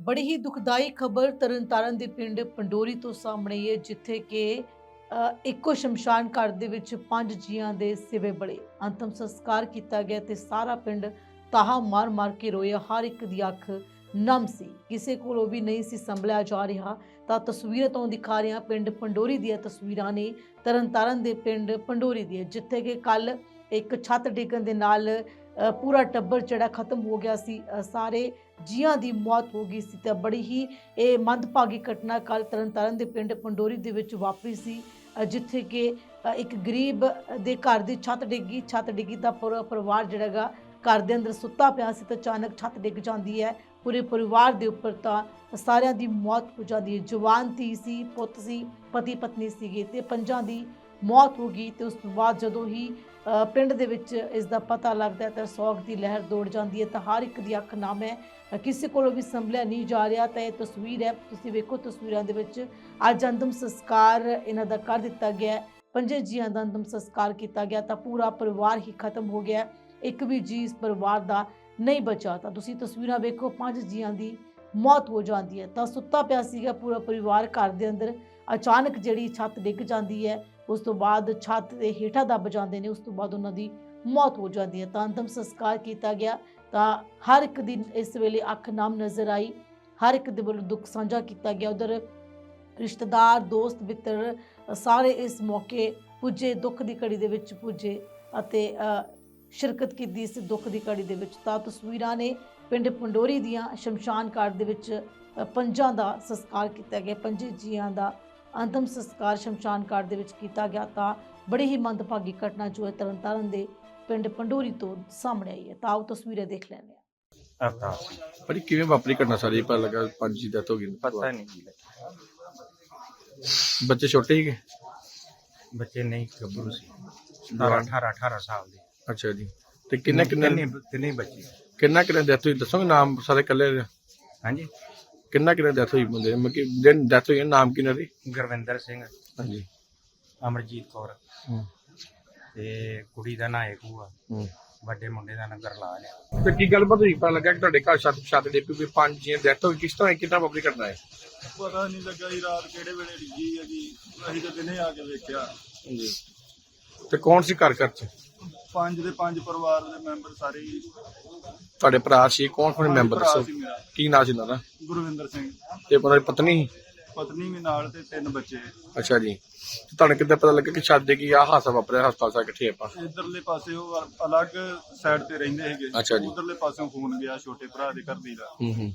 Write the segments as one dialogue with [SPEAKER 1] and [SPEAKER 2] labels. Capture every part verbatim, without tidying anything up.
[SPEAKER 1] बड़ी ही दुखदाई खबर तरनताਰਨ ਦੇ ਪਿੰਡ ਪੰਡੋਰੀ ਤੋਂ ਸਾਹਮਣੇ ਆਈ ਹੈ ਜਿੱਥੇ ਕਿ ਅ, ਇੱਕੋ ਸ਼ਮਸ਼ਾਨ ਘਾਟ ਦੇ ਵਿੱਚ ਪੰਜ ਜੀਆਂ ਦੇ ਸਿਵੇ ਬੜੇ ਅੰਤਮ ਸੰਸਕਾਰ ਕੀਤਾ ਗਿਆ ਤੇ ਸਾਰਾ ਪਿੰਡ ਤਾਹਾ ਮਾਰ ਮਾਰ ਕੇ ਰੋਇਆ। ਹਰ ਇੱਕ ਦੀ ਅੱਖ ਨਮ ਸੀ, ਕਿਸੇ ਕੋਲੋਂ ਵੀ ਨਹੀਂ ਸੀ ਸੰਭਲਿਆ ਜਾ ਰਿਹਾ। ਤਾਂ ਤਸਵੀਰਾਂ ਤੋਂ ਦਿਖਾ ਰਿਹਾ ਪਿੰਡ ਪੰਡੋਰੀ ਦੀਆਂ ਤਸਵੀਰਾਂ ਨੇ ਤਰਨਤਾਰਨ ਦੇ ਪਿੰਡ ਪੰਡੋਰੀ ਦੀਆਂ, ਜਿੱਥੇ ਕਿ ਕੱਲ ਇੱਕ ਛੱਤ ਡਿੱਗਣ ਦੇ ਨਾਲ ਅ, ਪੂਰਾ ਟੱਬਰ ਜਿਹੜਾ ਖਤਮ ਹੋ ਗਿਆ ਸੀ। ਅ, ਸਾਰੇ ਜੀਆਂ ਦੀ ਮੌਤ ਹੋ ਗਈ ਸੀ। ਤਾਂ ਬੜੀ ਹੀ ਇਹ ਮੰਦਭਾਗੀ ਘਟਨਾ ਕੱਲ ਤਰਨਤਾਰਨ ਦੇ ਪਿੰਡ ਪੰਡੋਰੀ ਦੇ ਵਿੱਚ ਵਾਪਰੀ ਸੀ, ਅ, ਜਿੱਥੇ ਕਿ ਅ, ਇੱਕ ਗਰੀਬ ਦੇ ਘਰ ਦੀ ਛੱਤ ਡਿੱਗੀ ਛੱਤ ਡਿੱਗੀ ਤਾਂ ਪੂਰਾ ਪਰਿਵਾਰ ਜਿਹੜਾ ਗਾ ਘਰ ਦੇ ਅੰਦਰ ਸੁੱਤਾ ਪਿਆ ਸੀ ਤਾਂ ਅਚਾਨਕ ਛੱਤ ਡਿੱਗ ਜਾਂਦੀ ਹੈ। ਪੂਰੇ ਪਰਿਵਾਰ ਦੇ ਉੱਪਰ ਤਾਂ ਸਾਰਿਆਂ ਦੀ ਮੌਤ ਹੋ ਜਾਂਦੀ ਹੈ। ਜਵਾਨ ਧੀ ਸੀ, ਪੁੱਤ ਸੀ, ਪਤੀ ਪਤਨੀ ਸੀਗੇ ਤੇ ਪੰਜਾਂ ਦੀ ਮੌਤ ਹੋ ਗਈ। ਤੇ ਉਸ ਤੋਂ ਬਾਅਦ ਜਦੋਂ ਹੀ ਅ, ਪਿੰਡ ਦੇ ਵਿੱਚ ਇਸ ਦਾ ਪਤਾ ਲੱਗਦਾ ਹੈ ਤਾਂ ਸੋਗ ਦੀ ਲਹਿਰ ਦੌੜ ਜਾਂਦੀ ਹੈ। ਤਾਂ ਹਰ ਇੱਕ ਦੀ ਅੱਖ ਨਮ ਹੈ, ਅ, ਕਿਸੇ ਕੋਲੋਂ ਵੀ ਸੰਭਲਿਆ ਨਹੀਂ ਜਾ ਰਿਹਾ। ਤਾਂ ਇਹ ਤਸਵੀਰ ਹੈ, ਤੁਸੀਂ ਵੇਖੋ ਤਸਵੀਰਾਂ ਦੇ ਵਿੱਚ ਅੱਜ ਅੰਤਮ ਸੰਸਕਾਰ ਇਹਨਾਂ ਦਾ ਕਰ ਦਿੱਤਾ ਗਿਆ ਹੈ। ਪੰਜੇ ਜੀਆਂ ਦਾ ਅੰਤਮ ਸੰਸਕਾਰ ਕੀਤਾ ਗਿਆ ਤਾਂ ਪੂਰਾ ਪਰਿਵਾਰ ਹੀ ਖਤਮ ਹੋ ਗਿਆ। ਇੱਕ ਵੀ ਜੀ ਇਸ ਪਰਿਵਾਰ ਦਾ ਨਹੀਂ ਬਚਾ। ਤਾਂ ਤੁਸੀਂ ਤਸਵੀਰਾਂ ਵੇਖੋ, ਪੰਜ ਜੀਆਂ ਦੀ ਮੌਤ ਹੋ ਜਾਂਦੀ ਹੈ। ਤਾਂ ਸੁੱਤਾ ਪਿਆ ਸੀਗਾ ਪੂਰਾ ਪਰਿਵਾਰ ਘਰ ਦੇ ਅੰਦਰ, ਅਚਾਨਕ ਜਿਹੜੀ ਛੱਤ ਡਿੱਗ ਜਾਂਦੀ ਹੈ, ਉਸ ਤੋਂ ਬਾਅਦ ਛੱਤ ਦੇ ਹੇਠਾਂ ਦੱਬ ਜਾਂਦੇ ਨੇ, ਉਸ ਤੋਂ ਬਾਅਦ ਉਹਨਾਂ ਦੀ ਮੌਤ ਹੋ ਜਾਂਦੀ ਹੈ। ਤਾਂ ਅੰਤਮ ਸੰਸਕਾਰ ਕੀਤਾ ਗਿਆ ਤਾਂ ਹਰ ਇੱਕ ਦਿਨ ਇਸ ਵੇਲੇ ਅੱਖ ਨਮ ਨਜ਼ਰ ਆਈ, ਹਰ ਇੱਕ ਦੇ ਵੱਲੋਂ ਦੁੱਖ ਸਾਂਝਾ ਕੀਤਾ ਗਿਆ। ਉਧਰ ਰਿਸ਼ਤੇਦਾਰ, ਦੋਸਤ ਮਿੱਤਰ ਸਾਰੇ ਇਸ ਮੌਕੇ ਪੁੱਜੇ, ਦੁੱਖ ਦੀ ਘੜੀ ਦੇ ਵਿੱਚ ਪੁੱਜੇ ਅਤੇ ਸ਼ਿਰਕਤ ਕੀਤੀ ਇਸ ਦੁੱਖ ਦੀ ਘੜੀ ਦੇ ਵਿੱਚ। ਤਾਂ ਤਸਵੀਰਾਂ ਨੇ ਪਿੰਡ ਪੰਡੋਰੀ ਦੀਆਂ ਸ਼ਮਸ਼ਾਨ ਘਾਟ ਦੇ ਵਿੱਚ ਅ, ਪੰਜਾਂ ਦਾ ਸੰਸਕਾਰ ਕੀਤਾ ਗਿਆ। ਪੰਜੇ ਜੀਆਂ ਦਾ ਅੰਤਮ ਸੰਸਕਾਰ ਸ਼ਮਸ਼ਾਨ ਘਾਟ ਦੇ ਵਿੱਚ ਕੀਤਾ ਗਿਆ। ਤਾਂ ਬੜੀ ਹੀ ਮੰਦਭਾਗੀ ਘਟਨਾ ਜੋ ਹੈ ਤਰਨਤਾਰਨ ਦੇ ਪਿੰਡ ਪੰਡੋਰੀ ਤੋਂ ਸਾਹਮਣੇ ਆਈ ਹੈ। ਤਾਂ ਆਓ ਤਸਵੀਰਾਂ ਦੇਖ ਲੈਂਦੇ ਹਾਂ।
[SPEAKER 2] ਅਵਤਾਰ
[SPEAKER 3] ਪਰ ਕਿਵੇਂ ਵਾਪਰੀ ਘਟਨਾ ਸਾਰੀ ਪਤਾ ਲੱਗਾ ਪੰਜ ਦੀ ਡੈਥ ਹੋ ਗਈ?
[SPEAKER 2] ਪਤਾ ਨਹੀਂ ਜੀ ਲੱਗਾ।
[SPEAKER 3] ਬੱਚੇ ਛੋਟੇ ਸੀਗੇ?
[SPEAKER 2] ਬੱਚੇ ਨਹੀਂ ਗੱਭਰੂ ਸੀ, ਸਤਾਰਾਂ ਅਠਾਰਾਂ ਅਠਾਰਾਂ ਸਾਲ ਦੇ।
[SPEAKER 3] ਅੱਛਾ ਜੀ। ਤੇ ਕਿੰਨੇ ਕਿੰਨੇ
[SPEAKER 2] ਤਿੰਨੇ ਤਿੰਨੇ ਬੱਚੇ।
[SPEAKER 3] ਕਿੰਨਾ ਕਿੰਨੇ ਡੈਥ ਹੋਈ ਦੱਸੋਗੇ ਨਾਮ ਸਾਰੇ ਇਕੱਲੇ ਦੇ?
[SPEAKER 2] ਹਾਂਜੀ,
[SPEAKER 3] ਕਿੰਨਾ ਕਿੰਨੇ ਡੈਥ ਹੋਈ ਬੰਦੇ ਮਤਲਬ ਕਿ ਜਿਹਨ ਡੈਥ ਹੋਈ ਹੈ, ਨਾਮ ਕਿੰਨਾ ਦੀ?
[SPEAKER 2] ਗੁਰਵਿੰਦਰ ਸਿੰਘ,
[SPEAKER 3] ਹਾਂਜੀ।
[SPEAKER 2] ਅਮਰਜੀਤ ਕੌਰ
[SPEAKER 3] ਹੂੰ
[SPEAKER 2] ਤੇ ਕੁੜੀ ਦਾ ਨਾਂ ਏਕੂ ਆ,
[SPEAKER 3] ਹੂੰ।
[SPEAKER 2] ਵੱਡੇ ਮੁੰਡੇ ਦਾ ਨਾਂ ਗਰਲਾਲ ਆ।
[SPEAKER 3] ਤੇ ਕੀ ਗੱਲਬਾਤ ਹੋਈ? ਪਤਾ ਲੱਗਾ ਕਿ ਤੁਹਾਡੇ ਘਰ ਛੱਤ ਛੱਤ ਦੇ ਪਈ ਪੰਜ ਜੀ ਡੈਥ ਹੋਈ, ਕਿਸ ਤਰ੍ਹਾਂ ਕਿੰਨਾ ਵਾਪਰੀ ਘਟਨਾ ਹੈ?
[SPEAKER 4] ਪਤਾ ਨਹੀਂ ਲੱਗਾ ਜੀ ਰਾਤ ਕਿਹੜੇ ਵੇਲੇ ਡਿੱਗੀ ਹੈ ਜੀ, ਅਸੀਂ ਤਾਂ ਦਿਨੇ ਆ ਕੇ ਵੇਖਿਆ।
[SPEAKER 3] ਜੀ। ਤੇ ਕੌਣ ਸੀ ਘਰ ਘਰ ਚ?
[SPEAKER 4] ਪੰਜ ਦੇ ਪੰਜ ਪਰਿਵਾਰ ਦੇ ਮੈਂਬਰ ਸਾਰੇ ਹੀ।
[SPEAKER 3] ਤੁਹਾਡੇ ਭਰਾ ਸੀ? ਕੌਣ ਕੌਣ ਮੈਂਬਰ
[SPEAKER 4] ਭਰਾ
[SPEAKER 3] ਦੱਸੋ?
[SPEAKER 4] ਸੀ ਮੇਰਾ,
[SPEAKER 3] ਕੀ ਨਾਂ ਸੀ ਇਹਨਾਂ ਦਾ?
[SPEAKER 4] ਗੁਰਵਿੰਦਰ ਸਿੰਘ,
[SPEAKER 3] ਤੇ ਉਹਨਾਂ ਦੀ ਪਤਨੀ?
[SPEAKER 4] ਪਤਨੀ ਵੀ ਨਾਲ ਤੇ ਤਿੰਨ ਬੱਚੇ।
[SPEAKER 3] ਅੱਛਾ ਜੀ। ਤੇ ਤੁਹਾਨੂੰ ਕਿੱਦਾਂ ਪਤਾ ਲੱਗਾ ਕਿ ਛੱਤ ਦੇ ਕੀ ਆ ਹਾਦਸਾ ਵਾਪਰਿਆ? ਹਸਪਤਾਲ ਸਾ ਇਕੱਠੇ ਆਪਾਂ?
[SPEAKER 4] ਇਧਰਲੇ ਪਾਸੇ ਉਹ ਅਲੱਗ ਸਾਈਡ ਤੇ ਰਹਿੰਦੇ
[SPEAKER 3] ਅੱਛਾ
[SPEAKER 4] ਸੀਗੇ,
[SPEAKER 3] ਜੀ।
[SPEAKER 4] ਉਧਰਲੇ ਪਾਸਿਓਂ ਫੋਨ ਗਿਆ ਛੋਟੇ ਭਰਾ ਦੇ ਘਰ ਦੀ ਦਾ।
[SPEAKER 3] ਹੂੰ ਹੂੰ।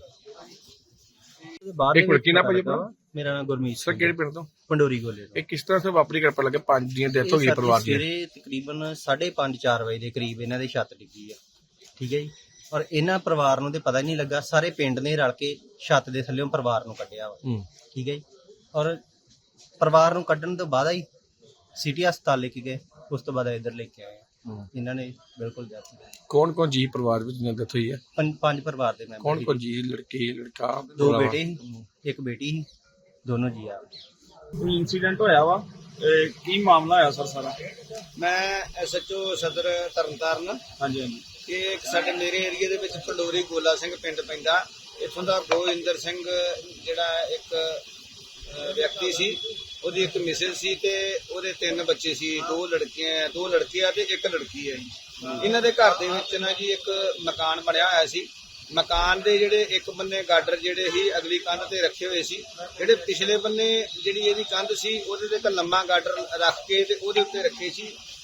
[SPEAKER 5] ਬਾਅਦ
[SPEAKER 3] ਇੱਕ
[SPEAKER 5] ਦੇ ਵਿੱਚ
[SPEAKER 3] ਲੜਕੀ ਨਾ
[SPEAKER 5] ਪਤਾ
[SPEAKER 3] ਭਾਜੀ
[SPEAKER 5] ਲੱਗਾ
[SPEAKER 3] ਆਪਣਾ?
[SPEAKER 5] ਵਾ, ਮੇਰਾ ਨਾਮ ਗੁਰਮੀਤ
[SPEAKER 3] ਸਰ
[SPEAKER 5] ਸਿੰਘ
[SPEAKER 3] ਕਿਹੜੇ ਪਿੰਡ ਤੋਂ?
[SPEAKER 5] ਪੰਡੋਰੀ ਗੋਲੇ ਤੋਂ।
[SPEAKER 3] ਇਹ ਕਿਸ ਤਰ੍ਹਾਂ ਸੇ ਵਾਪਰੀ ਕਰ ਪਤਾ ਲੱਗਾ ਪੰਜ ਦੀਆਂ ਡੈਥ ਹੋ ਗਈ
[SPEAKER 5] ਇਹ
[SPEAKER 3] ਪਰਿਵਾਰ ਦੀ?
[SPEAKER 5] ਸਵੇਰੇ ਤਕਰੀਬਨ ਸਾਢੇ ਪੰਜ ਚਾਰ ਵਜੇ ਦੇ ਕਰੀਬ ਇਹਨਾਂ ਦੇ ਛੱਤ ਡਿੱਗੀ ਆ, ਠੀਕ ਹੈ ਜੀ। ਔਰ ਇਹਨਾਂ ਪਰਿਵਾਰ ਨੂੰ ਤੇ ਪਤਾ ਹੀ ਨਹੀਂ ਲੱਗਾ, ਸਾਰੇ ਪਿੰਡ ਨੇ ਰਲ ਕੇ ਛੱਤ ਦੇ ਥੱਲੇੋਂ ਪਰਿਵਾਰ ਨੂੰ ਕੱਢਿਆ ਵਾ,
[SPEAKER 3] ਹੂੰ।
[SPEAKER 5] ਠੀਕ ਹੈ ਜੀ। ਔਰ ਪਰਿਵਾਰ ਨੂੰ ਕੱਢਣ ਤੋਂ ਬਾਅਦ ਹੀ ਸਿਟੀ ਹਸਪਤਾਲ ਲੈ ਕੇ ਗਏ, ਉਸ ਤੋਂ ਬਾਅਦ ਇੱਧਰ ਲੈ ਕੇ ਆਏ ਆ।
[SPEAKER 3] ਹੂੰ।
[SPEAKER 5] ਇਹਨਾਂ ਨੇ ਬਿਲਕੁਲ death ਕਰ ਦਿੱਤੀ।
[SPEAKER 3] ਕੌਣ ਕੌਣ ਜੀ ਪਰਿਵਾਰ ਵਿੱਚ ਜਿਹਨਾਂ ਡੈਥ ਹੋਈ ਹੈ?
[SPEAKER 5] ਪੰਜ ਪੰਜ ਪਰਿਵਾਰ ਦੇ ਮੈਂਬਰ
[SPEAKER 3] ਕੌਣ
[SPEAKER 5] ਸੀ।
[SPEAKER 3] ਕੌਣ ਜੀ? ਲੜਕੇ ਲੜਕਾ?
[SPEAKER 5] ਦੋ
[SPEAKER 3] ਭਰਾ?
[SPEAKER 5] ਬੇਟੇ ਸੀ, ਇੱਕ ਬੇਟੀ ਸੀ, ਦੋਨੋਂ ਜੀ ਆ।
[SPEAKER 6] ਕੋਈ ਇਨਸੀਡੈਂਟ ਹੋਇਆ ਵਾ, ਇਹ ਕੀ ਮਾਮਲਾ ਹੋਇਆ ਸਰ ਸਾਰਾ?
[SPEAKER 7] ਮੈਂ ਐਸਐਚਓ ਸਦਰ ਤਰਨਤਾਰਨ।
[SPEAKER 6] ਹਾਂਜੀ ਹਾਂਜੀ।
[SPEAKER 7] ਇਹ ਇੱਕ ਸਾਡੇ ਮੇਰੇ ਏਰੀਆ ਦੇ ਵਿੱਚ ਪੰਡੋਰੀ ਗੋਲਾ ਸਿੰਘ ਪਿੰਡ ਪੈਂਦਾ, ਇੱਥੋਂ ਦਾ ਗੋਇੰਦਰ ਸਿੰਘ ਜਿਹੜਾ ਇੱਕ ਅਹ, ਵਿਅਕਤੀ ਸੀ, ਉਹਦੀ ਇੱਕ ਮਿਸਿਸ ਸੀ ਤੇ ਉਹਦੇ ਤਿੰਨ ਬੱਚੇ ਸੀ, ਦੋ ਲੜਕੀਆਂ ਦੋ ਲੜਕੇ ਆ ਤੇ ਇੱਕ ਲੜਕੀ ਹੈ ਜੀ। ਇਹਨਾਂ ਦੇ ਘਰ ਦੇ ਵਿੱਚ ਨਾ ਜੀ ਇੱਕ ਮਕਾਨ ਬਣਿਆ ਹੋਇਆ ਸੀ। ਮਕਾਨ ਦੇ ਜਿਹੜੇ ਇੱਕ ਬੰਨੇ ਗਾਡਰ ਜਿਹੜੇ ਸੀ ਅਗਲੀ ਕੰਧ ਤੇ ਰੱਖੇ ਹੋਏ ਸੀ, ਜਿਹੜੇ ਪਿਛਲੇ ਬੰਨੇ ਜਿਹੜੀ ਇਹਦੀ ਕੰਧ ਸੀ ਉਹਦੇ ਤੇ ਇੱਕ ਲੰਮਾ ਗਾਡਰ ਰੱਖ ਕੇ ਤੇ ਉਹਦੇ ਉੱਤੇ ਰੱਖੇ ਸੀ।